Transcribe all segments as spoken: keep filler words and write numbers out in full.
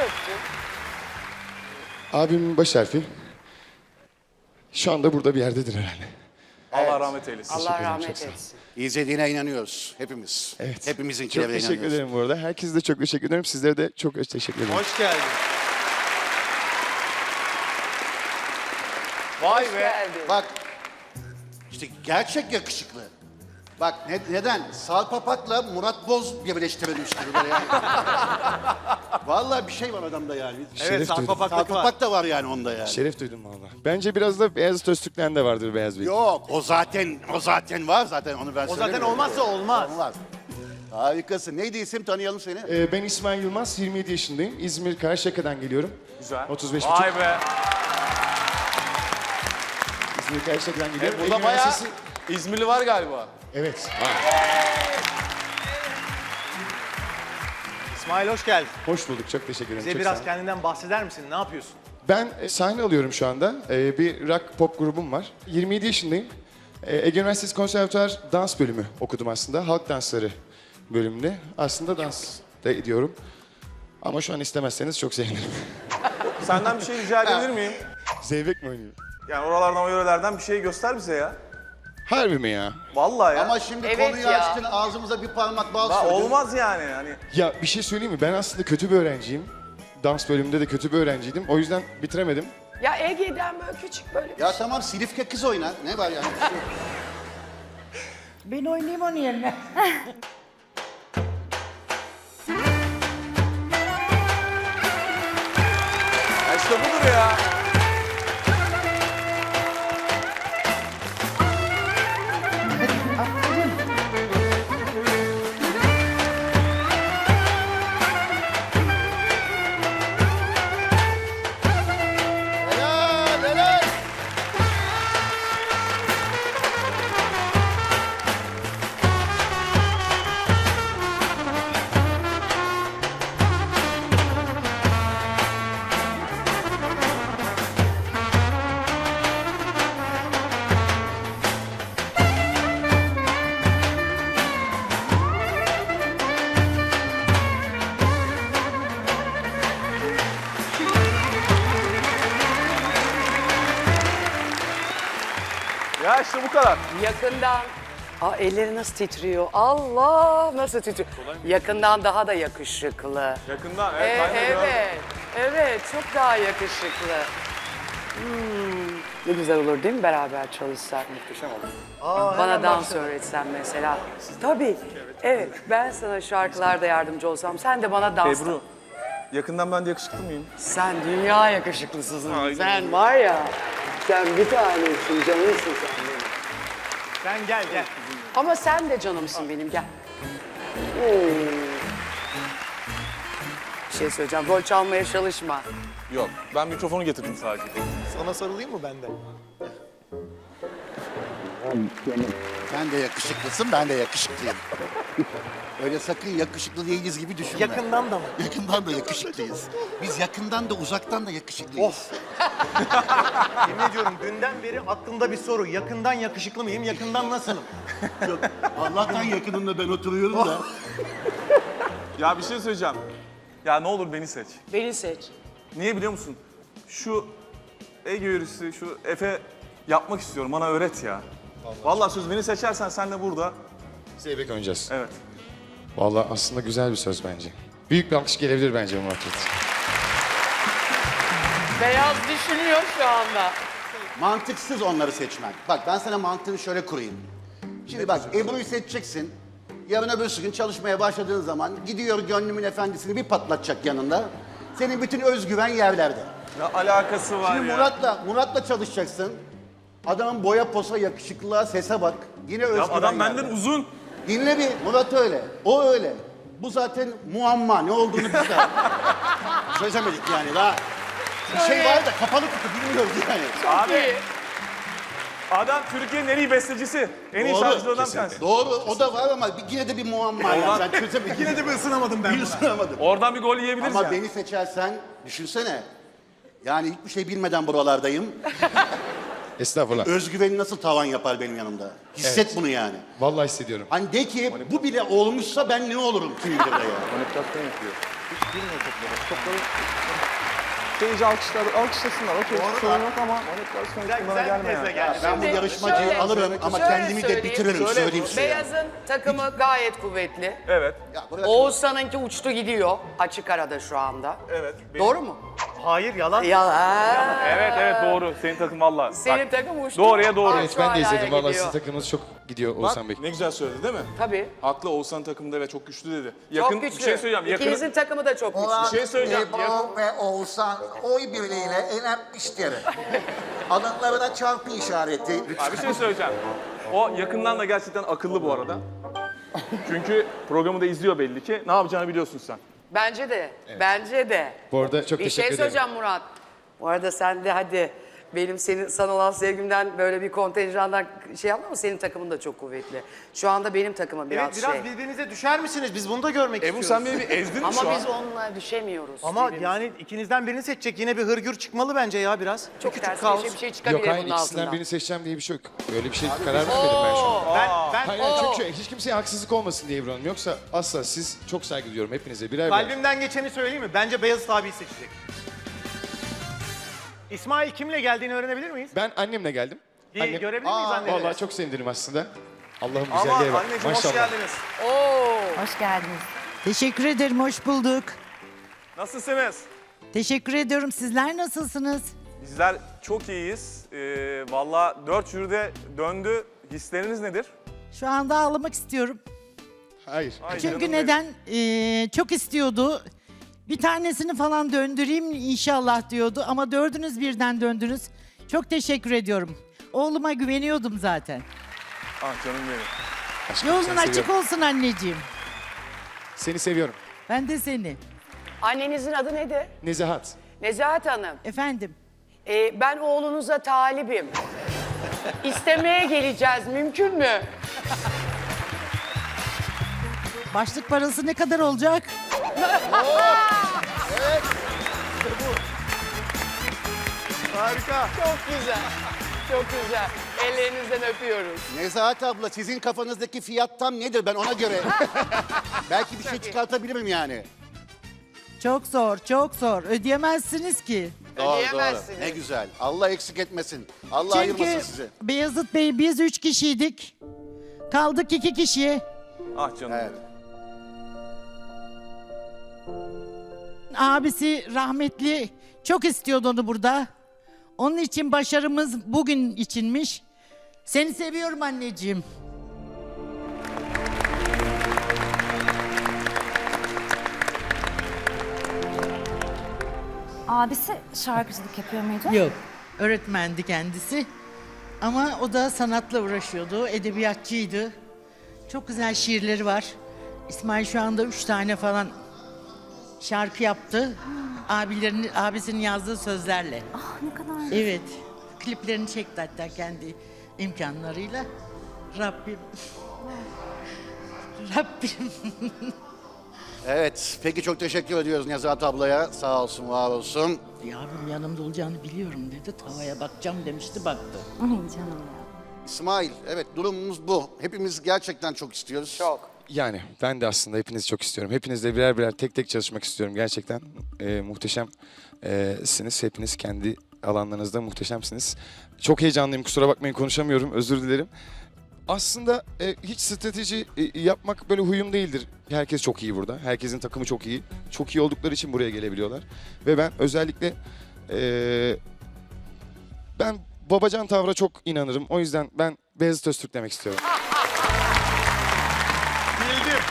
harfi? Abimin baş harfi. Şu anda burada bir yerdedir herhalde. Allah rahmet eylesin. Allah rahmet etsin. İzlediğine inanıyoruz hepimiz. Evet. Hepimizinkilerine Çok teşekkür inanıyoruz. ederim bu arada. Herkese de çok teşekkür ederim. Sizlere de çok teşekkür ederim. Hoş geldin. Vay be. Geldin. Bak, işte gerçek yakışıklı. Bak ne, neden? Salpapak'la Murat Boz birleştirilmiş gibi böyle yani. Vallahi bir şey var adamda yani. Şeref Evet, duydum. sarpapaklık var. Salpapak da var yani onda yani. Şeref duydum valla. Bence biraz da Beyaz Öztürk'ten de vardır Beyaz Bey. Yok, o zaten o zaten var zaten onu ben O zaten söylemiyorum. olmazsa olmaz. Olmaz. Harikasın. Neydi isim, tanıyalım seni. Ee, ben İsmail Yılmaz, yirmi yedi yaşındayım. İzmir Karşıyaka'dan geliyorum. Güzel. otuz beş buçuk. Vay be. İzmir Karşıyaka'dan geliyorum. Burada Ege bayağı Üniversitesi- İzmirli var galiba. Evet. İsmail hoş geldin. Hoş bulduk. Çok teşekkür ederim. Bize Çok biraz sağ olun. kendinden bahseder misin? Ne yapıyorsun? Ben e, sahne alıyorum şu anda. E, bir rock pop grubum var. yirmi yedi yaşındayım. E, Ege Üniversitesi Konservatuar dans bölümü okudum aslında. Halk dansları bölümünde. Aslında dans da ediyorum. Ama şu an istemezseniz çok sevinirim. Senden bir şey rica edebilir miyim? Zeybek mi oynuyor? Yani oralardan o yörelerden bir şey göster bize ya. Harbi mi ya? Vallahi ya. Ama şimdi Evet konuyu ya. açtın, ağzımıza bir parmak bal Ha, sürdün. olmaz yani. Hani Ya bir şey söyleyeyim mi? Ben aslında kötü bir öğrenciyim. Dans bölümünde de kötü bir öğrenciydim. O yüzden bitiremedim. Ya Ege'den böyle küçük böyle bir Ya tamam, Silifke kız oynar. Ne var yani? Bir şey yok. Ben oynayayım onun yerine. ya işte budur ya. Helal, helal. Ya işte bu kadar. yakından. Aa, elleri nasıl titriyor? Allah nasıl titriyor? Yakından daha da yakışıklı. Yakından. Ee, Evet, ben de gördüm. evet, evet çok daha yakışıklı. Hmm, ne güzel olur değil mi beraber çalışsak? Muhteşem oldu. Bana dans öğretsen mesela. Tabii. Evet, ben sana şarkılarda yardımcı olsam, sen de bana dans. Ebru, yakından ben de yakışıklı mıyım? Sen dünya yakışıklısısın. Ay, Sen var ya, sen bir tanesin, canımsın sen benim. Sen gel gel. Ama sen de canımsın benim, gel. Oo. Bir şey söyleyeceğim, rol çalmaya çalışma. Yok, ben mikrofonu getirdim sadece. Sana sarılayım mı ben de? Sen de yakışıklısın, ben de yakışıklıyım. Öyle sakın yakışıklı değiliz gibi düşünme. Yakından da mı? Yakından da yakışıklıyız. Biz yakından da uzaktan da yakışıklıyız. Of. Yemin ediyorum dünden beri aklımda bir soru. Yakından yakışıklı mıyım? Yakından nasılım? Çok- Allah'tan yakınımda ben oturuyorum da. Ya bir şey söyleyeceğim. Ya ne olur beni seç. Beni seç. Niye biliyor musun? Şu Ege yörüsü, şu Efe yapmak istiyorum. Bana öğret ya. Vallahi söz beni seçersen sen de burada. Zeybek oynayacağız. Evet. Vallahi aslında güzel bir söz bence. Büyük bir alkış gelebilir bence bu muhabbet. Beyaz düşünüyor şu anda. Mantıksız onları seçmen. Bak ben sana mantığını şöyle kurayım. Şimdi bak Ebru'yu seçeceksin. Yarın öbür gün çalışmaya başladığın zaman gidiyor gönlümün efendisini bir patlatacak yanında. Senin bütün özgüven yerlerde. Ne alakası var Şimdi ya? Murat'la Murat'la çalışacaksın. Adamın boya posa, yakışıklılığa, sese bak. Yine özgüven Ya adam yerde. benden uzun. Dinle bir, Murat öyle. O öyle. Bu zaten muamma. Ne olduğunu biz de çözemedik yani daha. Bir şey var da kapalı kutu bilmiyoruz yani. Abi. Adam Türkiye'nin en iyi bestecisi. En iyi Doğru, şarkıcılarından bir tanesi. Doğru, o da var ama bir- yine de bir muamma yani. Oradan- Ben çözemedim. Yine de bir ısınamadım ben bir buna. ısınamadım. Oradan bir gol yiyebiliriz Ama ya. beni seçersen, düşünsene. Yani hiçbir şey bilmeden buralardayım. Estağfurullah. Özgüveni nasıl tavan yapar benim yanımda? Hisset bunu yani. Vallahi hissediyorum. Hani de ki bu bile olmuşsa ben ne olurum kim bilir de ya. Manipülasyon yapıyor. Girmiyor topları. Topları Seyirci alkışlar, alkışlasınlar. Okey, Doğru sorun da. yok ama manipülasyon güzel, ihtimali güzel bir gelme tezle yani. geldi. Ben bu Şimdi yarışmacıyı şöyle- alırım ama şöyle kendimi de söyleyeyim. bitiririm, Şöyle söyleyeyim size. Beyaz'ın takımı gayet kuvvetli. Evet, Ya bırak- Oğuzhan'ınki uçtu gidiyor açık arada şu anda. evet. Doğru mu? Hayır, yalan. Yalan. Evet, evet doğru. Senin takım valla. Senin Bak, takım uçtu. Doğruya doğru. Aa, Evet şu ben de hala izledim. Valla gidiyor. sizin takımınız çok gidiyor Oğuzhan Bey. ne güzel söyledi değil mi? Tabii. Haklı, Oğuzhan takımda ve çok güçlü dedi. Çok Yakın, güçlü. bir şey söyleyeceğim. Yakın, İkinizin takımı da çok güçlü. bir şey söyleyeceğim. Ebru Yakın, ve Oğuzhan oy birliğiyle elenmiştir. Alınlarına çarpı işareti. Abi bir şey söyleyeceğim. O yakından da gerçekten akıllı bu arada. Çünkü programı da izliyor belli ki. Ne yapacağını biliyorsun sen. Bence de. Bence de. Bu arada çok Bir teşekkür şey ederim. söyleyeceğim Murat. Bu arada sen de hadi benim senin sana olan sevgimden böyle bir kontenjandan şey yapma ama senin takımın da çok kuvvetli. Şu anda benim takımım biraz, Evet, biraz şey. birbirinize düşer misiniz? Biz bunu da görmek Ebru istiyoruz. sen beni bir ezdin mi Ama şu an? biz onunla düşemiyoruz. Ama birbirimize. yani ikinizden birini seçecek. Yine bir hırgür çıkmalı bence ya biraz. Bir çok küçük ters kaos. bir şey, bir şey çıkabilir Yok hayır bunun ikisinden altından. birini seçeceğim diye bir şey yok. Öyle bir şey karar vermedim ben şu an. Ben, ben Hayır, hayır, çünkü hiç kimseye haksızlık olmasın diye Ebru Hanım. Yoksa asla siz çok saygı duyuyorum hepinize birer birer. kalbimden geçeni söyleyeyim mi? Bence Beyazıt abiyi seçecek. İsmail kimle geldiğini öğrenebilir miyiz? Ben annemle geldim. Bir Annem- görebilir miyiz anneleri? Vallahi çok sevindim aslında. Allah'ım Ama güzelliğe bak. anneciğim hoş Maşallah. geldiniz. Oo. Hoş geldiniz. Teşekkür ederim, hoş bulduk. Nasılsınız? Teşekkür ediyorum. Sizler nasılsınız? Bizler çok iyiyiz. Ee, Valla dört jüride döndü. Hisleriniz nedir? Şu anda ağlamak istiyorum. Hayır. Ay canım Çünkü benim. neden? Ee, çok istiyordu. Bir tanesini falan döndüreyim inşallah diyordu ama dördünüz birden döndünüz. Çok teşekkür ediyorum. Oğluma güveniyordum zaten. Ah canım benim. Aşkım, Yolun seni açık seviyorum. olsun anneciğim. Seni seviyorum. Ben de seni. Annenizin adı nedir? Nezahat. Nezahat Hanım. Efendim. Ee, ben oğlunuza talibim. İstemeye geleceğiz. Mümkün mü? Başlık parası ne kadar olacak? Harika. Çok güzel. Çok güzel. Ellerinizden öpüyoruz. Nezahat abla sizin kafanızdaki fiyat tam nedir ben ona göre. Belki bir şey çıkartabilirim yani. Çok zor, çok zor. Ödeyemezsiniz ki. Ödeyemezsiniz. Ne güzel. Allah eksik etmesin. Allah ayırmasın Çünkü sizi. Beyazıt Bey biz üç kişiydik. Kaldık iki kişiye. Ah canım Evet. benim. Abisi rahmetli çok istiyordu onu burada. Onun için başarımız bugün içinmiş. Seni seviyorum anneciğim. Abisi şarkıcılık yapıyor muydu? Yok. Öğretmendi kendisi. Ama o da sanatla uğraşıyordu. Edebiyatçıydı. Çok güzel şiirleri var. İsmail şu anda üç tane falan şarkı yaptı. Abilerin, abisinin yazdığı sözlerle. Ah ne kadar. Evet. Kliplerini çekti hatta kendi imkanlarıyla. Rabbim. Rabbim. Evet. Peki çok teşekkür ediyoruz Nezahat ablaya. Sağ olsun, var olsun. Ya abim yanımda olacağını biliyorum dedi. Tavaya bakacağım demişti, baktı. Ay canım ya. İsmail, evet durumumuz bu. Hepimiz gerçekten çok istiyoruz. Çok. Yani ben de aslında hepinizi çok istiyorum. Hepinizle birer birer tek tek çalışmak istiyorum. Gerçekten e, muhteşemsiniz. Hepiniz kendi alanlarınızda muhteşemsiniz. Çok heyecanlıyım. Kusura bakmayın konuşamıyorum. Özür dilerim. Aslında e, hiç strateji e, yapmak böyle huyum değildir. Herkes çok iyi burada. Herkesin takımı çok iyi. Çok iyi oldukları için buraya gelebiliyorlar. Ve ben özellikle e, ben babacan tavra çok inanırım. O yüzden ben Beyazıt Öztürk demek istiyorum. Bildim.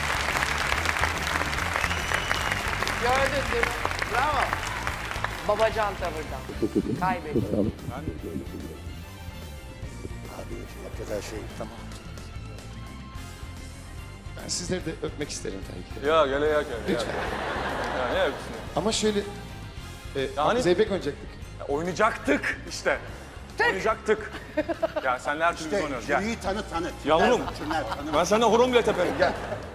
Gördün değil mi? Bravo. Babacan tavırdan. Kaybettim. Hakikaten şey, tamam. Ben sizleri de öpmek isterim tabii ki. Ya gele ya gele. Lütfen. Ya ne yapıyorsun? Ama şöyle e, Yani- Zeybek oynayacaktık. Ya, oynayacaktık işte. Oynayacaktık. Ya senle her türlü biz İşte oynuyoruz. Gel. jüriyi tanı tanı. Yavrum. Tüner, tanı. Ben senden horon bile teperim. Gel.